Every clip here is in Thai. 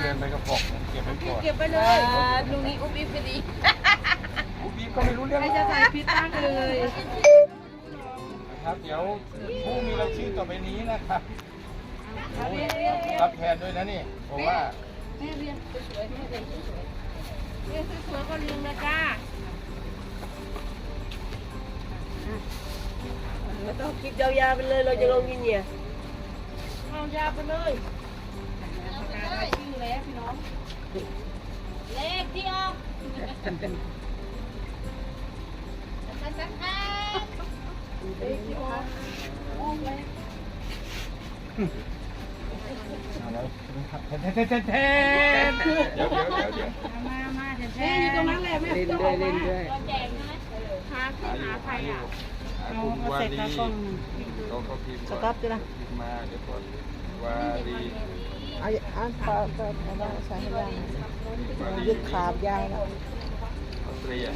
เกินไปกระป๋องเก็บไว้ก่อนเก็บไปเลยลุงนี้อุ้มอิ๊บไปดีพี่ก็ไม่รู้เรื่องใครจะใส่พิษตั้งเลยครับเดี๋ยวผู้มีรายชื่อต่อไปนี้นะครับรับแทนด้วยนะนี่เพราะว่าแม่เรียนสวยๆแม่เรียนสวยๆเรียนสวยๆก็ลืมนะจ้าไม่ต้องคิดยาวๆไปเลยเราจะลงยินเนี่ยเอายาวไปเลยชื่อแล้วพี่น้องเลขที่ออกเลขที่ออกออกเลย มาแม่อยู่ตรงนั้นแหละแม่ต้องออกมาแจกใช่ไหมหาขึ้นหาใครอ่ะเอาเสร็จแล้วก็เขาพิมพ์สต๊อปจ้ะพิมพ์มาเดี๋ยวก่อนวารีอ่านต่อได้ใช้ให้ได้ยึดขาบยาวแล้วออสเตรีย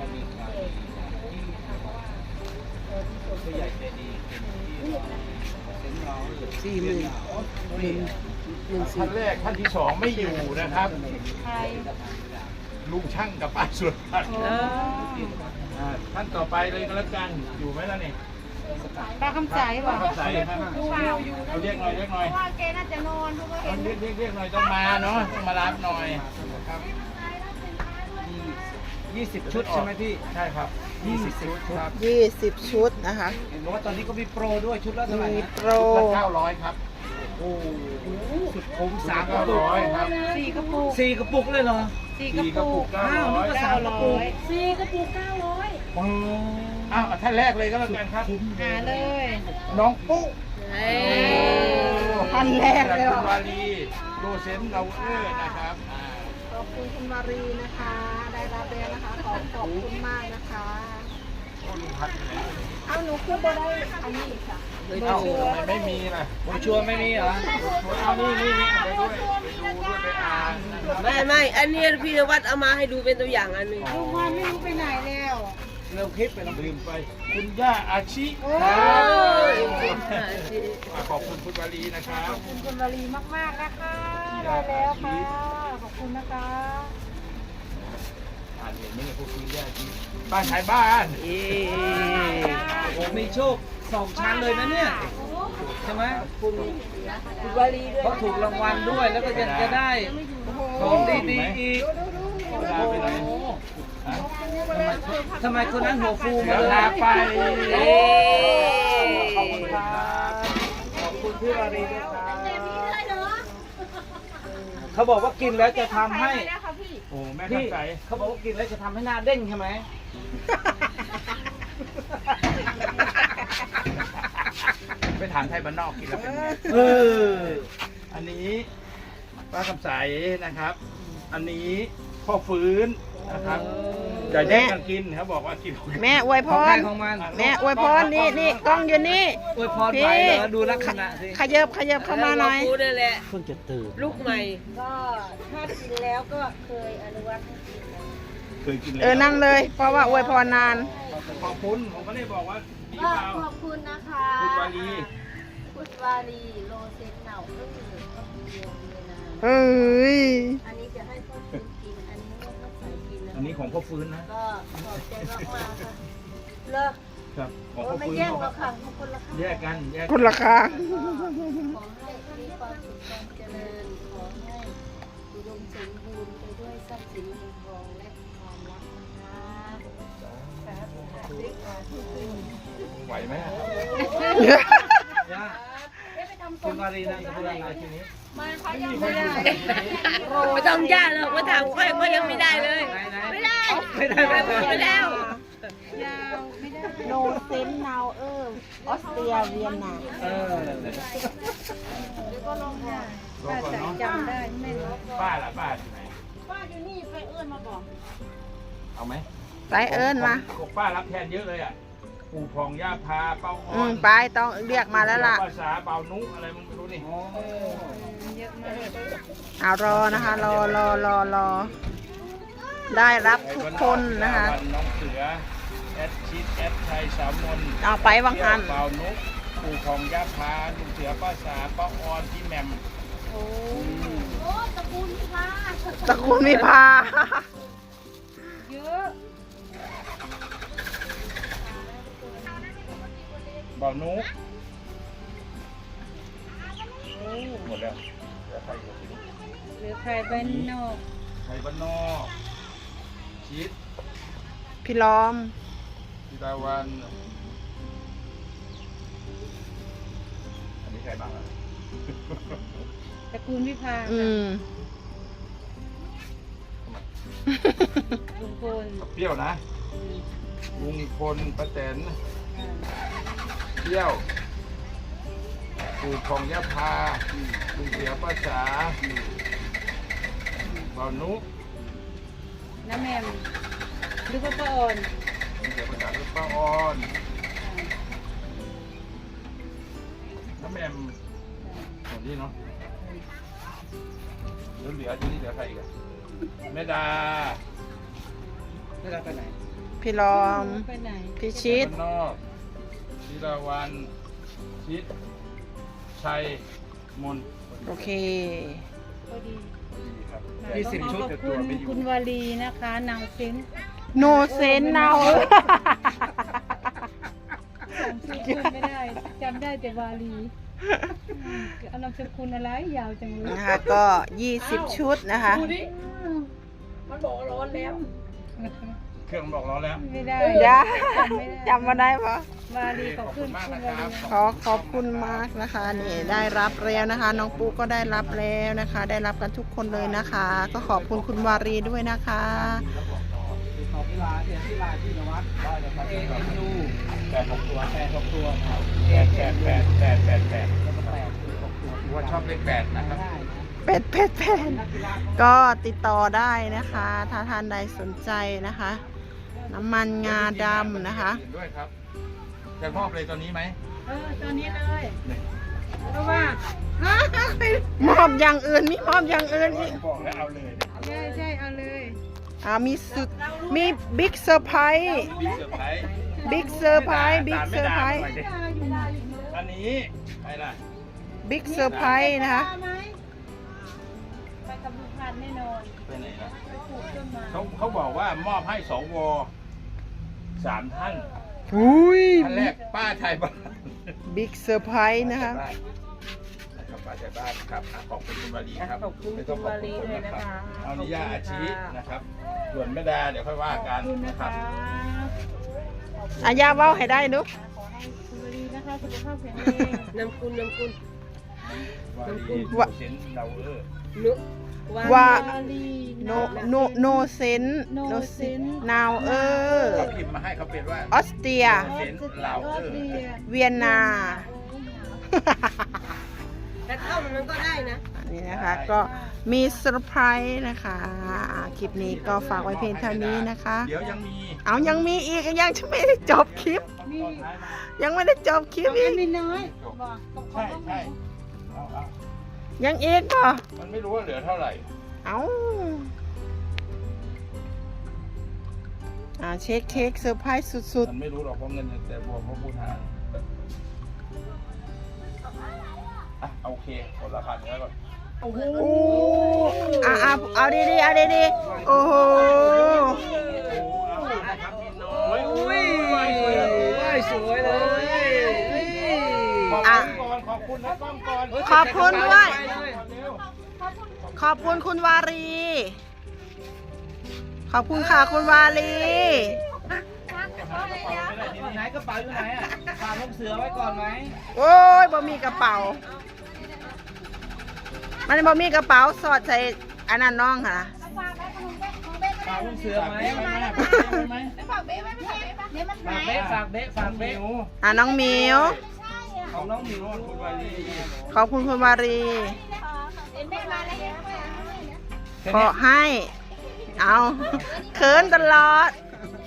ท่านแรกท่านที่สองไม่อยู่นะครับใครลุงช่างกับป้าสุดท่านต่อไปเลยก็แล้วกันอยู่ไหมล่ะนี่ป้าคำใสบอกใส่ครับเอาเรียกหน่อยเรียกหน่อยว่าแกน่าจะนอนเพราะว่าเห็นเรียกหน่อยต้องมาเนาะต้องมารับหน่อยครับ 20 ชุดใช่ไหมพี่ใช่ครับ20ชุดครับ 20 ชุดนะคะเห็นบอกว่าตอนนี้ก็มีโปรด้วยชุดละเท่าไหร่มีนะโปร 900ครับโอ้โหสุดคุ้มสาม 3 กระปุก 900ครับ 4กระปุก 4 กระปุกเลยเหรอ 4กระปุกอ้าวนึกว่า 3 กระปุก 4กระปุก900 โอ้อ้าวท่านแรกเลยก็แล้วกันครับหาเลยน้องปุ๊ท่านแรกเลยคุณวารีโรเซนเรานะครับขอบคุณคุณมารีนะคะ ได้รับแล้วนะคะ ขอบคุณมากนะคะลุงพัดอยู่ไหนเอาหนูขึ้นบ่ได้อันนี้ค่ะเอ้าทำไมไม่มีล่ะผมชัวร์ไม่มีเหรอเอานี่เอาไปด้วยไปดูด้วยไปอ่านนะครับไม่อันนี้พี่นวัดเอามาให้ดูเป็นตัวอย่างอันหนึ่งลุงวันไม่รู้ไปไหนแล้วเริ่มคลิปไปแล้วลืมไปคุณย่าอาชิขอบคุณคุณวารีนะครับขอบคุณคุณวลีมากๆนะคะได้แล้วค่ะขอบคุณนะคะอ่านเห็นไหมเนี่ยพวกคุณย่าอาชิบ้านขายบ้านเอ๊โอ้มีโชค 2 ชั้นเลยนะเนี่ยใช่ไหมคุณวารีด้วยเขาถูกรางวัลด้วยแล้วก็ยังจะได้ของดีๆอีกลาไปไหนทำไมคนนั้นหัวฟูเดี๋มายวเลยลาไปขอบคุณครับขอบคุณพี่วารีด้วยครับเขาบอกว่ากินแล้วจะทำให้โอ้แม่พี่ข้าใจเขาบอกว่ากินแล้วจะทำให้หน้าเด้งใช่ไหมไปถามไทยบ้านนอกกินแล้วเป็นไงเอออันนี้ป้าคำใสนะครับ อันนี้พ่อฟื้นนะครับอย่าแย่งกันกินเขาบอกว่ากินแม่อวยพของใครรของมันแม่อวยพรนี่กล้องอยู่นี่อวยพรไปเหรอดูลักษณะสิขยับเข้ามาหน่อยพูดนั่นแหละเพิ่งจะตื่นลูกใหม่ก็ถ้ากินแล้วก็เคยอนุวัตให้กินนะเคยกินแล้วนั่งเลย เพราะว่าอวยพรนานขอบคุณผมก็ได้บอกว่าดีก็เปล่าขอบคุณนะคะคุณวารีคุณวารีโรเซนเหนาก็คือก็คือเดียวเลยนะเฮ้ยอันนี้จะให้พ่อคุณกิน อันนี้ให้พ่อใส่กินนะอันนี้ของพ่อฟื้นนะก็ขอบใจมากๆค่ะเลิกครับของโอ้พ่อไม่ฟื้นแย่งหรอกค่ะทุกคนละค่ะแยกกันแยกคุณราคาขอให้มีความสุขความเจริญ ขอให้อุดมสมบูรณ์ไปด้วยทรัพย์สินเงินทองและความรักนะคะสาธุค่ะด้วยความที่ขึ้นไหวไหมอะย่าคุณวารีนะคุณวารีทีนี้มาเขายังไม่ได้ไม่ต้องยากหรอกมาถามค่อยก็ยังไม่ได้เลย ไม่ได้ไม่ได้ไม่ได้ยาวไม่ได้โนเซนนาวออสเตรียเวียนนาเออเดี๋ยวก็ลงค่ะรอก่อนเนาะจำได้ไม่รู้ป้าล่ะป้าอยู่ไหนป้าอยู่นี่ไปเอื้อนมาบอกเอาไหมไปเอิญมาบอกป้ารับแทนเยอะเลยอ่ะปู่พองย่าพาเป้าอ่อนไปต้องเรียกมาแล้วล่ะภาษาเป่านุอะไรมึงไม่รู้นี่เยอะมากเอารอนะคะ รอ ได้รับทุกคนนะคะวันน้องเสือแอดชิดแอดไทยสามมนเอาไปวังหันเป่านุปู่พองย่าพาลุงเสือป้าสาป้าออนพี่แหม่มโอ้ตระกูลพาตระกูลวิภาเยอะบ่าวนุ๊กโอ้หมดแล้วเหลือใครอยู่เหลือใครบ้านนอกไทยบ้านนอกชิดพี่ล้อมพิดาวันอันนี้ใครบ้างอ่ะตระกูลวิภาอืมลุงพลเปรี้ยวนะลุงพลป้าแตนเปรี้ยวปู่ทองยะพาลุงเสียป้าจ๋าบ่าวนุ๊กน้าแมมหรือว่าป้าอ่อนลุงเสียป้าจ๋าลูกป้าออนน้ำแมมคนนี้เนาะเหลือที่นี่เหลือใครอีกอะแม่ดาไม่ได้ไปไหนพี่ล้อมไปไหนพี่ชิดบ้านนอกธีราวันชิดชัยมนโอเคพอดีครับ 20 ชุดขอบคุณคุณวาลีนะคะนางเซนโนเซนเนาจำชื่อเพื่อนไม่ได้จำได้แต่วาลีนามสกุลอะไรยาวจังเลยนะคะก็ 20 ชุดนะคะมันบอกร้อนแล้วเครื่องบอกร้อนแล้วไม่ได้จ้าจำไม่ได้จำมาได้ปะวาลีขอบคุณมากคุณนะวาครัลีบขอบคุณมากนะคะนี่ได้รับแล้วนะคะ น้องปุ๊กก็ได้รับแล้วนะคะ ได้รับกันทุกคนเลยนะคะ ก็ขอบคุณคุณวารีด้วยนะคะติดต่อที่ร้านที่ร้านที่นวัดได้เลยครับANU 8 6 ตัว 8 6 ตัวครับ 8 แล้วก็8 6 ตัวว่าชอบเลข8นะครับได้นะเป็ดก็ติดต่อได้นะคะ ถ้าท่านใดสนใจนะคะ น้ำมันงาดำนะคะด้วยครับจะมอบเลยตอนนี้ไหมตอนนี้เลยเพราะว่ามอบอย่างอื่นมีมอบอย่างอื่นอีกบอกแล้วเอาเลยใช่เอาเลยมีสุดมีบิ๊กเซอร์ไพรส์บิ๊กเซอร์ไพรส์บิ๊กเซอร์ไพรส์บิ๊กเซอร์ไพรส์อันนี้ใครล่ะบิ๊กเซอร์ไพรส์นะคะไปกับลุงพันธุ์แน่นอนไปไหนล่ะไปปลูกต้นไม้เขาบอกว่ามอบให้สว3 ท่านอุ้ยท่านแรกป้าไทยบ้านบิ๊กเซอร์ไพรส์นะคะนะครับป้าไทยบ้านครับขอบคุณคุณวารีครับขอบคุณคุณวารีด้วยนะคะเอานิยาอาชีนะครับ ส่วนแม่ดาเดี๋ยวค่อยว่ากันขอบคุณนะนะครัคะบอายาเว้าให้ได้ดูขอให้คุณวารีนะคะสุขภาพแข็งแรงนำคุณวารีเซนเรานุว่าวารีโนเซนนาวเขาพิมพ์มาให้เขาเป็นว่าออสเตรียเซนเราเวียนนาแต่เข้ามันก็ได้นะอันนี้นะคะก็มีเซอร์ไพรส์นะคะคลิปนี้ก็ฝากไว้เพียงเท่านี้นะคะเดี๋ยวยังมีเอายังมีอีกยังไม่ได้จบคลิปตอนท้ายมายังไม่ได้จบคลิปอีกไม่น้อยบอกใช่ใช่เอายังอีกป่ะมันไม่รู้ว่าเหลือเท่าไหร่เอาเช็คเค้กเซอร์ไพรส์สุดมันไม่รู้หรอกเพราะเงินแต่บวกเพราะพูดหารโอเคหมดราคาเนื้อก่อนๆโอ้เอาดีๆเอาดีๆโอ้โหโอ้ยอุ้ยสวยเลยขอบคุณนะต้องก่อนขอบคุณด้วย ขอบคุณคุณวารี ขอบคุณค่ะคุณวารีไหนกระเป๋าอยู่ไหนอ่ะฝากลูกเสือไว้ก่อนไหมโอ้ยบ่มีกระเป๋า มันบ่มีกระเป๋าสอดใส่อันนั้นน้องค่ะฝากลูกเสือไหมฝากเบ๊ไว้ไม่ใช่เดี๋ยวมันฝากเบ๊ฝากเบ๊ฝากเบ๊น้องหมิวของน้องหมิวคุณวารีขอบคุณคุณวารีเดี๋ยวแม่มาแล้วขอให้ เอาเขินตลอด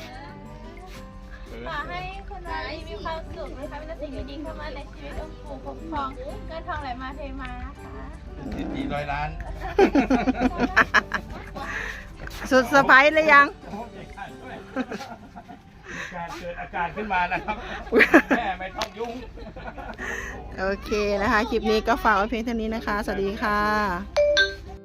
ขอให้คุณวารีมีความสุขนะคะเป็นสิ่งดีๆเข้ามาในชีวิตองค์ปู่คุ้มครองเงินทองไหลมาเทมานะคะ 400 ล้านสุดเซอร์ไพรส์เลยยังโอ้ยการเกิดอาการขึ้นมานะครับ แม่ไม่ต้องยุ่งโอเคนะคะ คลิปนี้ก็ฝากไว้เพียงเท่านี้นะคะ สวัสดีค่ะ